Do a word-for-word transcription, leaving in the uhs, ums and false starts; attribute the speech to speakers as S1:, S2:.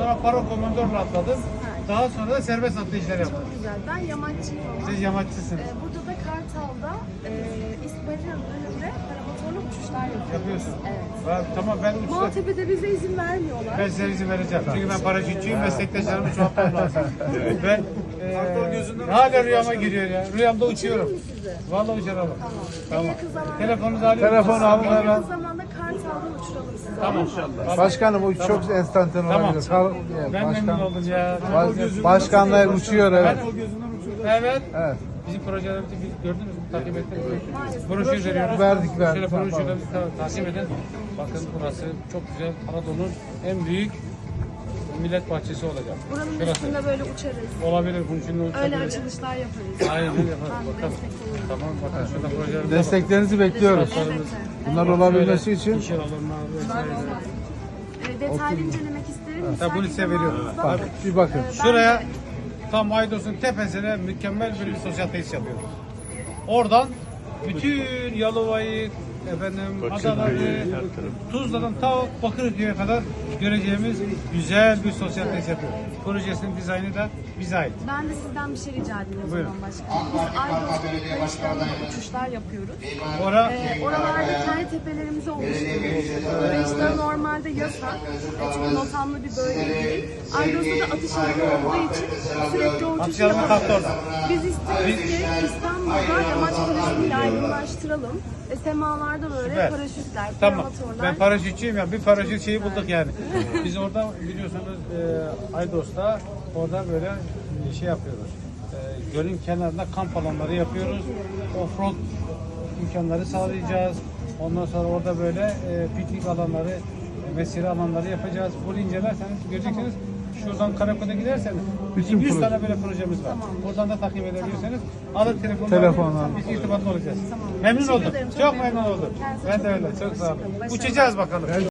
S1: Sonra paro komandorla atladım.
S2: Evet.
S1: Daha sonra da serbest atlayışlar yaptım.
S2: Çok güzel. Ben yamaççıyım ama.
S1: Siz yamaççısınız.
S2: Ee, burada da Kartal'da e, İstihbarat'ın önünde paramotorlu uçuşlar yapıyoruz.
S1: Yapıyorsun.
S2: Evet.
S1: Ben- tamam ben uçta.
S2: Maltepe'de bize izin vermiyorlar.
S1: Ben size izin vereceğim. Çünkü ben paraşütçüyüm, meslektaşlarımı çoğaltmam lazım. Ben e, hala rüyama giriyor ya. Rüyamda uçuyorum.
S2: Uçurayım mı sizi?
S1: Vallahi uçuralım.
S2: Tamam.
S1: Tamam.
S2: En yakın zamanda,
S1: Telefonunuzu alayım.
S3: Telefonu alın
S2: en
S3: hemen.
S2: yakın zamanda Kartal'dan uçuralım sizi.
S1: Tamam.
S2: İnşallah.
S3: Başkanım bu çok enstantan
S1: Tamam.
S3: olabilir. Kal-
S1: Ben memnun
S3: Başkan,
S1: oldum ya.
S3: baş- başkanlar uçuyor evet.
S1: Evet.
S3: Evet.
S1: Bizim projelerimizi biz gördünüz mü? Takip ettiniz mi?
S2: Maalesef.
S1: Broşür veriyoruz.
S3: Verdik, verdik.
S1: Şöyle broşürlerimizi ta- takip edin. Bakın burası çok güzel. Anadolu'nun en büyük millet bahçesi olacak.
S2: Buranın
S1: Şurası.
S2: üstünde böyle uçarız.
S1: Olabilir. Bunun için de
S2: Öyle
S1: uçabiliriz.
S2: açılışlar yaparız.
S1: Aynen öyle yaparız.
S2: Ben
S1: Bakalım.
S2: destek olurum.
S1: Tamam bakın şurada projelerimize bakın.
S3: Desteklerinizi bekliyoruz.
S2: Evet.
S3: Bunlar olabilmesi
S1: Şöyle
S3: için
S1: işe alınma vesaire.
S2: E, detaylı incelemek isterim.
S1: Tabii bunu size veriyorum.
S3: bak, bir bakın.
S1: Şuraya tam Aydos'un tepesine mükemmel bir sosyal tesis yapıyoruz. Oradan bütün Yalova'yı, efendim, Adaları, Tuzla'dan ta Bakırköy'e kadar göreceğimiz güzel bir sosyal tesis yapıyoruz. Projesinin dizaynı da bize ait.
S2: Ben de sizden bir şey rica edeyim o
S1: Buyurun.
S2: zaman başkanım. Biz Aydos'ta ve Kayışlar'da uçuşlar yapıyoruz.
S1: Ora
S2: Ee, oralarda kendi tepelerimizi oluşturuyoruz. Kayışlar normalde yasak. E, çünkü notamlı bir bölge değil. Aydos'ta da atış alanı olduğu için sürekli o
S1: Atış
S2: uçuşu
S1: alanı kalktı
S2: yapamıyoruz.
S1: orada.
S2: Biz istiyoruz ki İstanbul'da yamaç turizmini yaygınlaştıralım. E, semalarda böyle
S1: Süper.
S2: paraşütler,
S1: Tamam.
S2: paramotorlar.
S1: Ben paraşütçüyüm ya. Bir paraşüt şeyi bulduk yani. Biz orada biliyorsunuz e, Aydos'ta orada böyle e, şey yapıyoruz. E, gölün kenarında kamp alanları yapıyoruz. Offroad imkanları sağlayacağız. Ondan sonra orada böyle e, piknik alanları, e, mesire alanları yapacağız. Bunu incelerseniz göreceksiniz. Şuradan Karakoy'a giderseniz bizim yüz tane böyle projemiz var. Oradan da takip edebilirseniz alın telefonunu.
S3: Telefonla.
S1: Biz irtibatlı olacağız.
S2: Tamam.
S1: Memnun
S2: Teşekkür
S1: oldum.
S2: ederim,
S1: Çok,
S2: çok
S1: memnun
S2: memnun
S1: oldum.
S2: oldum. Kendinize
S1: Ben
S2: çok
S1: de öyle.
S2: iyi bakın.
S1: Çok sağ olun.
S2: Hoşçakalın. Başarılar.
S1: Uçacağız bakalım.